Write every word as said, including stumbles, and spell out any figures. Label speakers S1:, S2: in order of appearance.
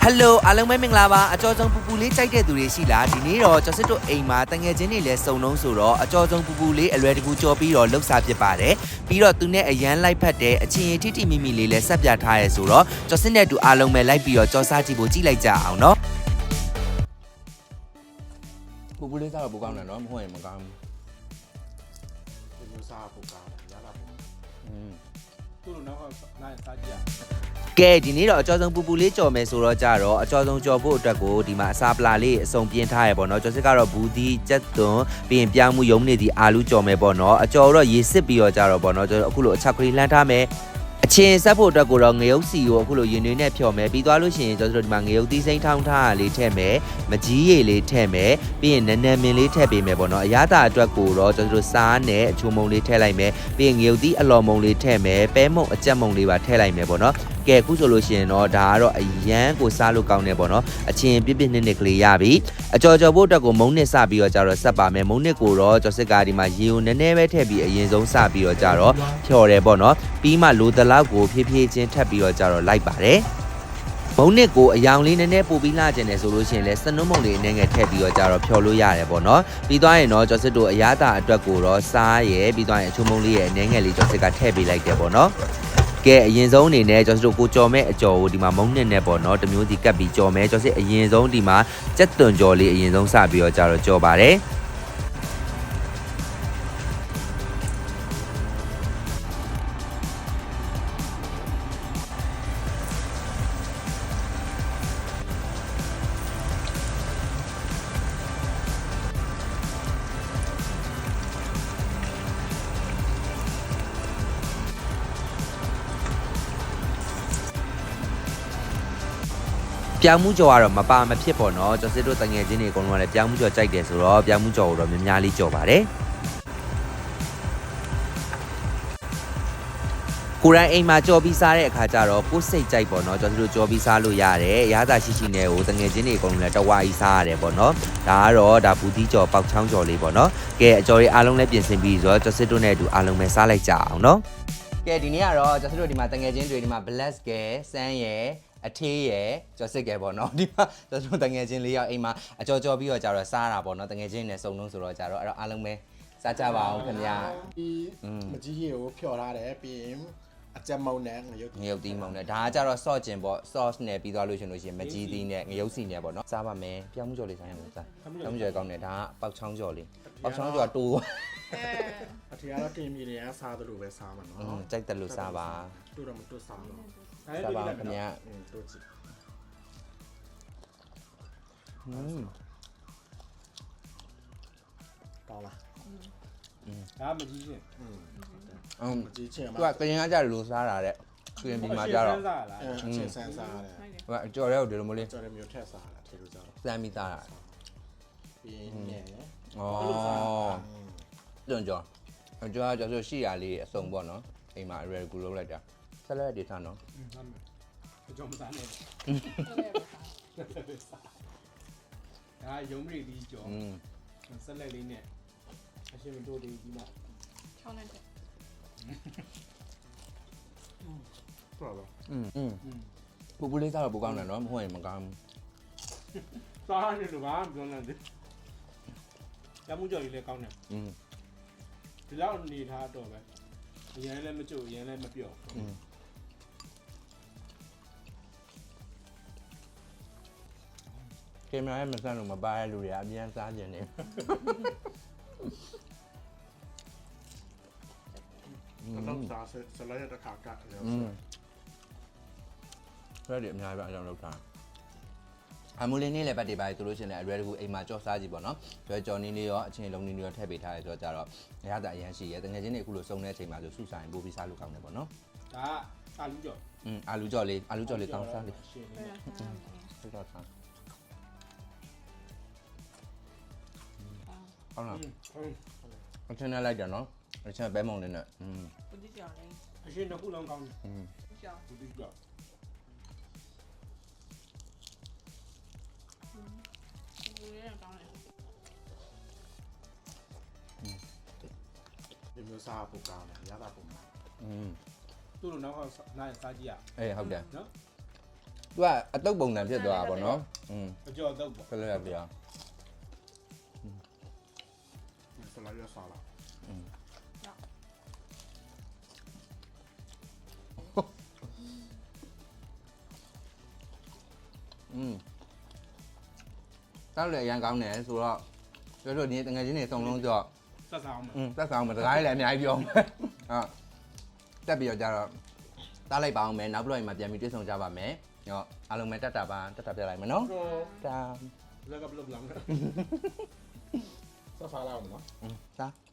S1: Hello အားလုံးပဲမင်္ဂလာပါအကျော်ဆုံးပူပူလေးကြိုက်တဲ့သူတွေရှိလားဒီနေ့တော့ကျွန်တော်တို့အိမ်မှာတငယ်ချင်းတွေလည်းစုံလုံးဆိုတော့အကျော်ဆုံးပူပူလေးအလွယ်တကူကြော်ပြီးတော့လှုပ်ရှားဖြစ်ပါတယ်ပြီးတော့သူနဲ့အရန်လိုက်ဖက်တဲ့အချင်းရင်ထိထိမိမိလေးလည်းဆက်ပြထားရဲဆိုတော့ကျော်စစ်နဲ့တူအားလုံးပဲလိုက်ပြီးတော့ကြော်စားကြည့်ဖို့ကြည့်လိုက်ကြအောင်နော်ပူပူလေးစားတော့ပူကောင်းတယ်နော်မဟုတ်ရင်မကောင်းဘူး
S2: ဒီလိုစားပူကောင်းတယ်ရတာပေါ့
S1: อืม
S2: သူ့လိုနောက်ကနိုင်စားကြည့်ရ
S1: ကဲဒီနေ့တော့အကျော်ဆုံးပူပူလေးကြော်မယ်ဆိုတော့ကြတော့အကျော်ဆုံးကြော်ဖို့အတွက်ကိုဒီမှာအစာပလာလေးအစုံပြင်းထားရပေါ့နော်ကျော်စစ်ကတော့ဘူးဒီကြက်သွန်ပြီးရင်ပြောင်းမှုယုံနေသည့်အာလူကြော်မယ်ပေါ့နော်အကျော်တော့ရေစစ်ပြီးတော့ကြတော့ပေါ့နော်ကျွန်တော်အခုလိုအချက်ကလေးလှမ်းထားမယ်အချင်းဆက်ဖို့အတွက်ကိုတော့ငရုတ်စီကိုအခုလိုရင်တွေနဲ့ဖြော်မယ်ပြီးသွားလို့ရှိရင်ကျွန်တော်တို့ဒီမှာငရုတ်သီးစိမ့်ထောင်းထားလေးထည့်မယ်မကြီးရည်လေးထည့်မယ်ပြီးရင်နန်းနန်းမင်းလေးထည့်ပေးမယ်ပေါ့နော်အရသာအတွက်ကိုတော့ကျွန်တော်တို့စားနဲ့အချိုမုံလေးထည့်လိုက်မယ်ပြီးရင်ငရုတ်သီးအလော်မုံလေးထည့်မယ်ပဲမုံအကြက်မုံလေးပါထည့်လိုက်မယ်ပေါ့နော်ကဲအခုဆိုလို့ရှိရင်တော့ဒါကတော့အရန်ကိုစားလို့ကောင်းတယ်ပေါ့နော်အချင်းပြစ်ပြစ်နစ်နစ်ကလေးရပြီအကြော်ကြော်ဖို့အတွက်ကိုမုံနစ်စပြီးတော့ကြတော့ဆက်ပါမယ်မုံနစ်ကိုတော့ကျော်စစ်ကားဒီမှာရေကိုနည်းနည်းပဲထည့်ပြီးအရင်ဆုံးစပြီးတော့ကြတော့ဖြော်တယ်ပေါ့နော်ပြီးမှလိုတလောက်ကိုဖြည်းဖြည်းချင်းထပ်ပြီးတော့ကြတော့လိုက်ပါတယ်မုံနစ်ကိုအယောင်လေးနည်းနည်းပို့ပြီးလာကျင်တယ်ဆိုလို့ရှိရင်လည်းစနုံးမုံလေးနည်းငယ်ထည့်ပြီးတော့ကြတော့ဖြော်လို့ရတယ်ပေါ့နော်ပြီးသွားရင်တော့ကျော်စစ်တို့အရသာအတွက်ကိုတော့စားရယ်ပြီးသွားရင်အချိုမုံလေးရဲ့နည်းငယ်လေးကျော်စစ်ကထည့်ပေးလိုက်တယ်ပေါ့နော်ကဲအရင်ဆုံးအနေနဲ့ကျွန်တော်တို့ကိုကြော်မဲ့အကြော်ကိုဒီမှာမုံနစ်နဲ့ပေါ့နော်တမျိုးစီကတ်ပြီးကြော်မယ်ကျော်စစ်အရင်ဆုံးဒီမှာကြက်သွန်ကြော်လေးအရင်ဆုံးစပြီးတော့ကြတော့ကြော်ပါတယ်ပြောင်းမှုကြော်ကတော့မပါမဖြစ်ပေါ့နော်ကျော်စစ်တို့တငယ်ချင်းတွေအကုန်လုံးကလည်းပြောင်းမှုကြော်ကြိုက်တယ်ဆိုတော့ပြောင်းမှုကြော်ကိုတော့များများလေးကြော်ပါတယ်ကိုရိုင်းအိမ်မှာကြော်ပြီးစားတဲ့အခါကျတော့ကိုယ်စိတ်ကြိုက်ပေါ့နော်ကျော်စစ်တို့ကြော်ပြီးစားလို့ရတယ်ရသာရှိရှိနဲ့ဟိုတငယ်ချင်းတွေအကုန်လုံးလည်းတဝါကြီးစားရတယ်ပေါ့နော်ဒါကတော့ဒါဘူးသီးကြော်ပေါက်ချောင်းကြော်လေးပေါ့နော်ကဲအကြော်လေးအားလုံးလည်းပြင်ဆင်ပြီးဆိုတော့ကျော်စစ်တို့နဲ့အတူအားလုံးပဲစားလိုက်ကြအောင်နော်ကဲဒီနေ့ကတော့ကျော်စစ်တို့ဒီမှာတငယ်ချင်းတွေဒီမှာ bless ကဲစမ်းရယ်အထေးရယ်ကျော်စစ်ကဲပေါ့နော်ဒီမှာကျွန်တော်တငယ်ချင်းလေးယောက်အိမ်မှာအကြော်ကြော်ပြီးတော့ကြတော့စားတာပေါ့နော်တငယ်ချင်းနဲ့စုံလုံးဆိုတော့ကြတော့အဲ့တော့အားလုံးပဲစားကြပါအောင်ခင်ဗျာ
S2: ဒီမကြီးရေကိုဖြော်ထားတယ်ပြီးရင်အကြက်မုံနဲ့ငရုတ်
S1: ငရုတ်သီးမုံနဲ့ဒါကကြတော့ sauce ကျင်ပေါ့ sauce နဲ့ပြီးသွားလို့ရှင်လို့ရှင်မကြီးသီးနဲ့ငရုတ်စီနဲ့ပေါ့နော်စားပါမယ်ပြောင်းမှုကြော်လေးစားရမယ်စားပြောင်းမှုကြော်ကောင်းတယ်ဒါကပေါက်ချောင်းကြော်လေးပေါက်ချောင်းကြော်တိုး
S2: အထီကတော့တင်မြေတွေကစားသလိုပဲစားမှာနော်
S1: อืมကြိုက်တယ်လို့စားပါ
S2: တိုးတော့မတိုးစားတော့
S1: စားပါခင်ဗျာ
S2: တိုးကြည့်
S1: อืม
S2: ကောင်းလား
S1: อืม
S2: ဒါမကြီးချင်းอืม
S1: อืม
S2: မကြီးချင်း
S1: သူကကရင်ကကြတယ်လို့စားတာတဲ့ကရင်ဒီမှာကြတော့
S2: အချင်းဆန်းစားရတယ်
S1: ဟိုအကြော်ရဲကိုဒီလိုမျိုးလေး
S2: ကြော်ရဲမျိုးထက်စားတာထေလို့ကြတော့
S1: စမ်းပြီးစားတာ
S2: ပြီးရင်ညံ့ရယ်
S1: ဩတွန်ကြော်အကြော်ကြော်ဆိုရှိရလေးအစုံပေါ့နော်အိမ်မှာ real ကူလုပ်လိုက်တာဆက်လက်ဒေတာနော်
S2: ဟုတ်မယ်အကြော်မစားနဲ့ဒါရုံးမရီဒီကြော်ဆက်လက်လေးနဲ့အရှင်မတို့ဒီဒီမှာ
S3: ချောင်းနဲ့တဲ့
S2: ဟုတ်ပါ
S1: อืมอืมပူပူလေးစားတော့ပူကောင်းတယ်နော်မဟုတ်ရင်မကောင်းဘူး
S2: စားရတယ်လို့ကပြောနေတယ်ရမှုကြော်ကြီးလည်းကောင်းတယ်
S1: อืม
S2: ဒီလောက်နေထားတော့ပဲအရင်လည်းမကြိုအရင်လည်းမပြော့
S1: อืมကင်မရာရဲ့မဆန်းလို့မပါရလူတွေအမြန်စားကြနေ
S2: တော့စားဆလာရတဲ့ခါကလည်း
S1: อืมဖရက်ဒီအများကြီးပဲအကြောင်းလောက်တာအမူလင်းနေလည်းပတ်တွေပါဆိုလို့ရှိရင်လည်းအရွယ်တကူအိမ်မှာကြော်စားကြည့်ပေါ့နော်ကျွဲကြော်နေနေရောအချင်းလုံးနေနေရောထည့်ပေးထားတယ်ဆိုတော့ကြတော့ရတာအရန်ရှိရဲတကယ်ချင်းနေအခုလိုစုံတဲ့အချိန်မှာဆိုစုဆိုင်ပို့ပြီးစားလို့ကောင်းတယ်ပေါ့နော်
S2: ဒါအာလူကြော်
S1: อืมအာလူကြော်လေးအာလူကြော်လေးကောင်းစားလေးဟုတ်တော့စားဟုတ်လားအချင်းနဲ့လိုက်တယ်နော်အချင်းပဲမုံလေးနဲ့อืม
S3: ဘူးတိကြော်လေး
S2: အရှင်တစ်ခုလုံးကောင်းတယ်
S1: อืม
S3: ကြော်
S2: ဘူးတိကြော်
S3: ဘူးလေးကောင်းတယ်
S2: ဒီမျိုးစားဖို့ကောင်းတယ်ရတာပုံမှာ
S1: อืม
S2: သူ့လိုနောက်ကနိုင်စားကြည့်ရ
S1: အေးဟုတ်တယ်
S2: နော်
S4: သူကအတုပ်ပုံစံဖြစ်သွားတာပေါ့နော်อืม
S2: အကျော်တော့ပေါ့
S4: ဆက်လက်ရပြအောင်
S2: ဆလာရဆလာ
S4: อืมတောက်လေအရန်ကောင်းတယ်ဆိုတော့တို့တို့ဒီတငယ်ချင်းတွေစုံလုံးကြော့
S2: ဆက်စားအောင်မယ်
S4: อืมတက်ဆောင်မတကားလည်းအများကြီးပြောမယ်ဟာတက်ပြီးတော့ကြတော့တားလိုက်ပါအောင်မယ်နောက်ဘလော့မှာပြန်ပြီးတွေ့ဆုံကြပါမယ်ဟောအားလုံးပဲတက်တာပါတက်တာပြလိုက်မယ်နော်တာ
S2: လက်ကဘလဘလမ်ဆက်စားလာအောင်နော်
S4: อืมတာ